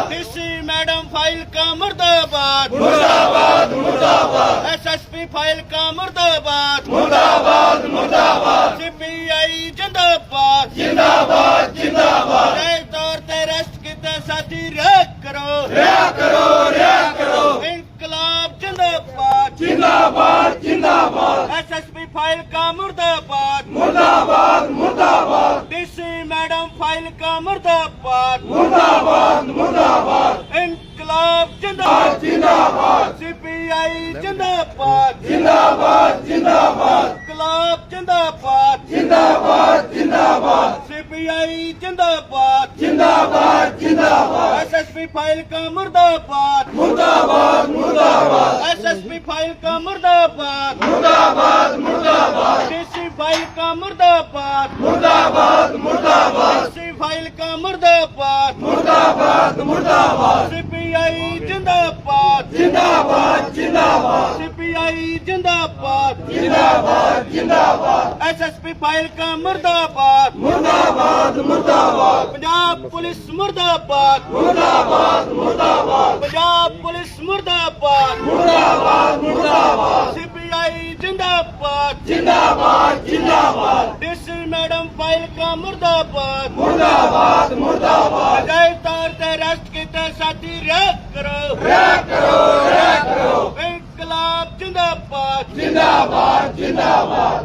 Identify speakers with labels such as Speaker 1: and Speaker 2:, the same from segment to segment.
Speaker 1: DC madam file का मुर्दाबाद,
Speaker 2: मुर्दाबाद मुर्दाबाद,
Speaker 1: एसएसपी फाइल का मुर्दाबाद,
Speaker 2: मुर्दाबाद मुर्दाबाद,
Speaker 1: सीपीआई जिंदाबाद,
Speaker 2: जिंदाबाद जिंदाबाद,
Speaker 1: नए तौर ते रेस्ट किते साथी रिहा करो,
Speaker 2: रिहा करो, रिहा करो,
Speaker 1: इंकलाब जिंदाबाद,
Speaker 2: जिंदाबाद जिंदाबाद,
Speaker 1: एसएसपी फाइल का मुर्दाबाद,
Speaker 2: मुर्दाबाद मुर्दाबाद,
Speaker 1: डीसी मैडम फाइल का मुर्दाबाद,
Speaker 2: मुर्दाबाद मुर्दाबाद,
Speaker 1: इंकलाब जिंदाबाद,
Speaker 2: जिंदाबाद,
Speaker 1: सीपीआई जिंदाबाद,
Speaker 2: जिंदाबाद जिंदाबाद,
Speaker 1: इंकलाब जिंदाबाद,
Speaker 2: जिंदाबाद जिंदाबाद,
Speaker 1: सीपीआई जिंदाबाद,
Speaker 2: जिंदाबाद जिंदाबाद,
Speaker 1: एसएसपी फाइल का मुर्दाबाद,
Speaker 2: मुर्दाबाद मुर्दाबाद,
Speaker 1: एसएसपी फाइल का मुर्दाबाद,
Speaker 2: मुर्दाबाद मुर्दाबाद,
Speaker 1: डीसी फाइल का मुर्दाबाद,
Speaker 2: मुर्दाबाद मुर्दाबाद,
Speaker 1: डीसी फाइल का मुर्दाबाद,
Speaker 2: मुर्दाबाद मुर्दाबाद,
Speaker 1: सीपीआई जिंदाबाद,
Speaker 2: जिंदाबाद जिंदाबाद,
Speaker 1: सीपीआई जिंदाबाद,
Speaker 2: जिंदाबाद जिंदाबाद,
Speaker 1: एसएसपी फाइल का मुर्दाबाद,
Speaker 2: मुर्दाबाद मुर्दाबाद,
Speaker 1: पंजाब पुलिस मुर्दाबाद,
Speaker 2: मुर्दाबाद मुर्दाबाद,
Speaker 1: पंजाब पुलिस मुर्दाबाद,
Speaker 2: मुर्दाबाद मुर्दाबाद,
Speaker 1: सीपीआई जिंदाबाद,
Speaker 2: जिंदाबाद जिंदाबाद,
Speaker 1: डीसी मैडम फाइल का मुर्दाबाद,
Speaker 2: मुर्दाबाद मुर्दाबाद,
Speaker 1: नए तौर ते रेस्ट किते साथी रिहा करो,
Speaker 2: रिहा करो, रिहा करो,
Speaker 1: इंकलाब जिंदाबाद,
Speaker 2: जिंदाबाद जिंदाबाद,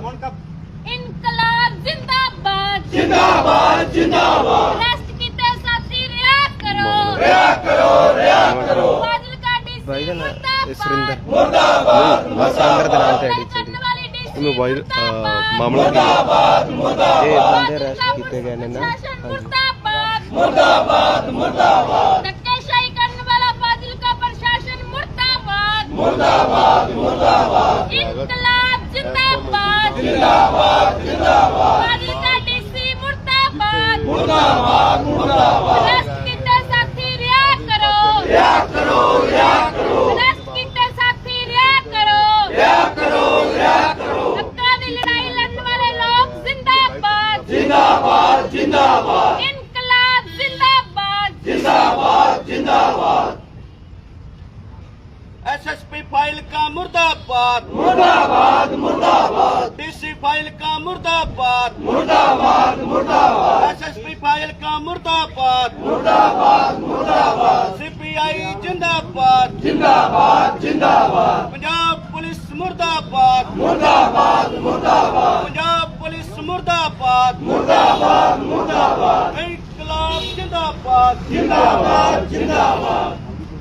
Speaker 3: इनकलाब जिंदाबाद,
Speaker 2: जिंदाबाद जिंदाबाद,
Speaker 3: रेस्ट कीते साथी रिहा करो,
Speaker 2: रिहा करो, रिहा करो,
Speaker 3: फाजिलका डीसी
Speaker 4: सुरेंद्र
Speaker 2: मुर्दाबाद
Speaker 4: संगर ਦੇ ਨਾਂ ਤੇ ਆਈਡੀ
Speaker 3: करने
Speaker 4: ਚੱਲਦੀ
Speaker 3: वाली डीसी
Speaker 4: ਮੋਬਾਈਲ ਮਾਮਲਾ
Speaker 2: मुर्दाबाद
Speaker 4: ਇਹ
Speaker 2: मुर्दाबाद,
Speaker 4: ਬੰਦੇ ਅਰੈਸਟ ਕੀਤੇ ਗਏ ਨੇ ਨਾ ਹਾਂਜੀ
Speaker 3: मुर्दाबाद,
Speaker 2: मुर्दाबाद मुर्दाबाद,
Speaker 3: धक्केशाही करने वाला फाजिलका प्रशासन मुर्दाबाद,
Speaker 2: मुर्दाबाद मुर्दाबाद,
Speaker 3: इनकलाब जिंदाबाद,
Speaker 2: जिंदाबाद जिंदाबाद,
Speaker 3: फाजिलका डीसी मुर्दाबाद,
Speaker 2: मुर्दाबाद मुर्दाबाद,
Speaker 3: रेस्ट कीते साथी रिहा करो,
Speaker 2: रिहा करो, रिहा करो,
Speaker 3: रेस्ट कीते साथी रिहा करो,
Speaker 2: रिहा करो, रिहा करो,
Speaker 3: हक्कां दी लड़ाई लड़ने वाले लोग जिंदाबाद,
Speaker 2: जिंदाबाद जिंदाबाद,
Speaker 3: इनकलाब जिंदाबाद,
Speaker 2: जिंदाबाद जिंदाबाद,
Speaker 1: एसएसपी फाइल का मुर्दाबाद,
Speaker 2: मुर्दाबाद मुर्दाबाद,
Speaker 1: डीसी फाइल का मुर्दाबाद,
Speaker 2: मुर्दाबाद मुर्दाबाद,
Speaker 1: एसएसपी फाइल का मुर्दाबाद,
Speaker 2: मुर्दाबाद मुर्दाबाद,
Speaker 1: सीपीआई जिंदाबाद,
Speaker 2: जिंदाबाद जिंदाबाद,
Speaker 1: पंजाब पुलिस मुर्दाबाद,
Speaker 2: मुर्दाबाद मुर्दाबाद,
Speaker 1: पंजाब पुलिस मुर्दाबाद,
Speaker 2: मुर्दाबाद मुर्दाबाद,
Speaker 1: इंकलाब जिंदाबाद,
Speaker 2: जिंदाबाद जिंदाबाद।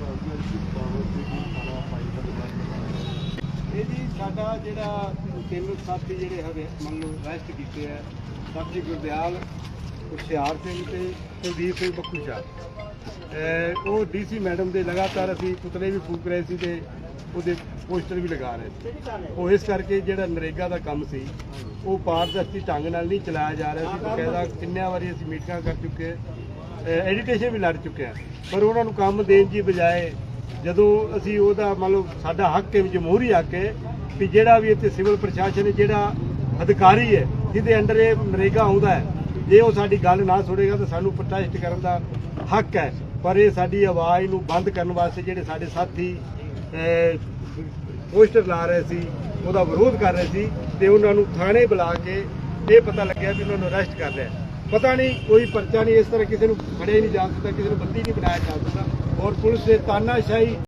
Speaker 5: ਇਹ ਜੀ ਸਾਡਾ ਜਿਹੜਾ ਤਿੰਨ ਸਾਥੀ ਜਿਹੜੇ ਹੈਗੇ ਮੰਨ ਲਓ ਅਰੈਸਟ ਕੀਤੇ ਆ ਸਾਥੀ ਗੁਰਦਿਆਲ ਹੁਸ਼ਿਆਰ ਸਿੰਘ ਤੇ ਕੁਲਦੀਪ ਸਿੰਘ ਬੱਕੂ ਸ਼ਾਹ ਉਹ ਡੀਸੀ ਮੈਡਮ ਦੇ ਲਗਾਤਾਰ ਅਸੀਂ ਪੁਤਲੇ ਵੀ ਫੂਕ ਰਹੇ ਸੀ ਤੇ ਉਹਦੇ ਪੋਸਟਰ ਵੀ ਲਗਾ ਰਹੇ ਸੀ। ਉਹ ਇਸ ਕਰਕੇ ਜਿਹੜਾ ਨਰੇਗਾ ਦਾ ਕੰਮ ਸੀ ਉਹ ਪਾਰਦਰਸ਼ੀ ਢੰਗ ਨਾਲ ਨਹੀਂ ਚਲਾਇਆ ਜਾ ਰਿਹਾ ਸੀ। ਬਕਾਇਦਾ ਕਿੰਨਿਆਂ ਵਾਰੀ ਅਸੀਂ ਮੀਟਿੰਗਾਂ ਕਰ ਚੁੱਕੇ, ਐਡੀਟੇਸ਼ਨ ਵੀ ਲੜ ਚੁੱਕੇ ਹਾਂ, ਪਰ ਉਹਨਾਂ ਨੂੰ ਕੰਮ ਦੇਣ ਦੀ ਬਜਾਏ ਜਦੋਂ ਅਸੀਂ ਉਹਦਾ ਮੰਨ ਲਓ ਸਾਡਾ ਹੱਕ ਹੈ ਜਮਹੂਰੀ ਹੱਕ ਹੈ ਵੀ ਜਿਹੜਾ ਵੀ ਇੱਥੇ ਸਿਵਲ ਪ੍ਰਸ਼ਾਸਨ ਹੈ ਜਿਹੜਾ ਅਧਿਕਾਰੀ ਹੈ ਜਿਹਦੇ ਅੰਡਰ ਇਹ ਨਰੇਗਾ ਆਉਂਦਾ ਹੈ ਜੇ ਉਹ ਸਾਡੀ ਗੱਲ ਨਾ ਸੁਣੇਗਾ ਤਾਂ ਸਾਨੂੰ ਪ੍ਰੋਟੈਸਟ ਕਰਨ ਦਾ ਹੱਕ ਹੈ। ਪਰ ਇਹ ਸਾਡੀ ਆਵਾਜ਼ ਨੂੰ ਬੰਦ ਕਰਨ ਵਾਸਤੇ ਜਿਹੜੇ ਸਾਡੇ ਸਾਥੀ ਪੋਸਟਰ ਲਾ ਰਹੇ ਸੀ ਉਹਦਾ ਵਿਰੋਧ ਕਰ ਰਹੇ ਸੀ ਤੇ ਉਹਨਾਂ ਨੂੰ ਥਾਣੇ ਬੁਲਾ ਕੇ ਇਹ ਪਤਾ ਲੱਗਿਆ ਵੀ ਉਹਨਾਂ ਨੂੰ ਅਰੈਸਟ ਕਰ ਲਿਆ। ਪਤਾ ਨਹੀਂ ਕੋਈ ਪਰਚਾ ਨਹੀਂ, ਇਸ ਤਰ੍ਹਾਂ ਕਿਸੇ ਨੂੰ ਫੜਿਆ ਨਹੀਂ ਜਾ ਸਕਦਾ, ਕਿਸੇ ਨੂੰ ਬੰਦੀ ਨਹੀਂ ਬਣਾਇਆ ਜਾ ਸਕਦਾ ਔਰ ਪੁਲਿਸ ਦੇ ਤਾਨਾਸ਼ਾਹੀ